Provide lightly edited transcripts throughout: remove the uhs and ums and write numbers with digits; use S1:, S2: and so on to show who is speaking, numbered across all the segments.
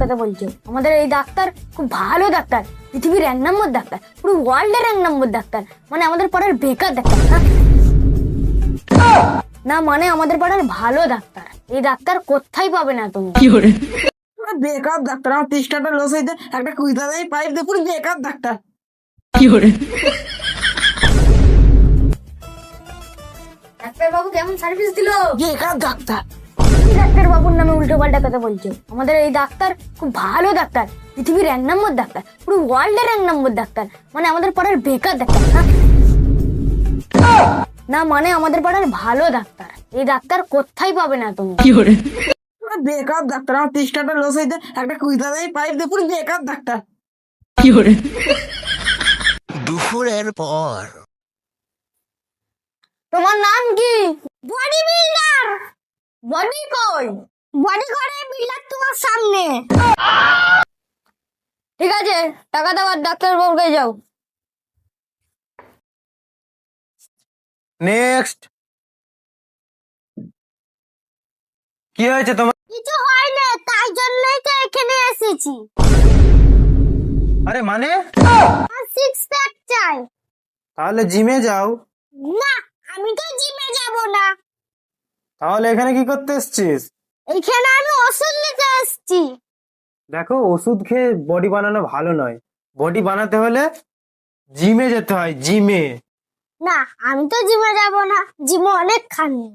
S1: দেখাতে বলছো। আমাদের এই ডাক্তার খুব ভালো ডাক্তার, পৃথিবীর 1 নম্বর ডাক্তার, পুরো ওয়ার্ল্ডের 1 নম্বর ডাক্তার। মানে আমাদের পাড়ার বেকার ডাক্তার না, না মানে আমাদের পাড়ার ভালো ডাক্তার। এই ডাক্তার কোথায় পাবে না তুমি।
S2: বেকার ডাক্তার, আমার 30 টাকা লস হইতে একটা কুইতা দেয় পাইপ দিয়ে, পুরো বেকার ডাক্তার।
S1: ডাক্তার বাবু কেমন সার্ভিস দিল?
S2: বেকার ডাক্তার।
S1: ডাক্তার বাবুর নামে উল্টো পাল্টা কথা বলছো। আমাদের এই ডাক্তার খুব ভালো ডাক্তার, পৃথিবীর 1 নম্বর ডাক্তার, পুরো ওয়ার্ল্ডের 1 নম্বর ডাক্তার। মানে আমাদের পাড়ার বেকার ডাক্তার না, না মানে আমাদের পাড়ার ভালো ডাক্তার। এই ডাক্তার কোথায় পাবে না তুমি।
S2: বেকার ডাক্তার, আমার 30 টাকা লস হইতে একটা কুইতা দেয় পাইপ দিয়ে, পুরো বেকার ডাক্তার।
S3: দুপুরের পর
S1: তোমার নাম কি? Body builder. বডি কই? বডি করে বিল্ডার তোমার সামনে। ঠিক আছে, টাকা দাও আর ডাক্তার বাবুকে যাও।
S4: নেক্সট। কি হয়েছে তোমার?
S1: কিছু হয় না, তাই জন্যই তো এখানে এসেছি।
S4: আরে মানে?
S1: আর 6 প্যাক চাই।
S4: তাহলে জিমে যাও।
S1: না, আমি তো জিমে যাব না।
S4: তাহলে এখানে কি করতে এসছিস?
S1: এখানে আমি ওষুধ নিতে এসেছি।
S4: দেখো, ওষুধ খেয়ে বডি বানানো ভালো নয়। বডি বানাতে হলে জিমে যেতে হয়, জিমে।
S1: না, আমি তো জিমে যাব না, জিমে অনেক খানি।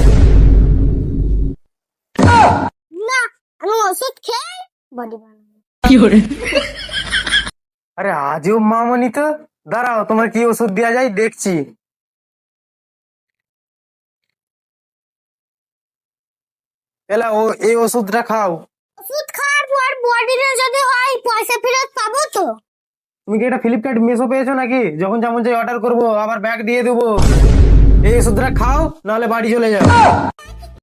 S1: না, আমি ওষুধ খেয়ে বডি বানাবো।
S4: আরে আজও মামনি তো। দাঁড়াও, তোমার কি ওষুধ দেওয়া যায় দেখছি। এলা, এই ওষুধটা খাও।
S1: ওষুধ খাওয়ার পর বডিতে যদি হয় পয়সা ফেরত পাবো তো?
S4: তুমি কি এটা ফ্লিপকার্ট মেসো পেয়েছো নাকি? যখন যেমন চাই অর্ডার করবো, আবার ব্যাগ দিয়ে দেবো। এই ওষুধটা খাও, নাহলে বাড়ি চলে যাও।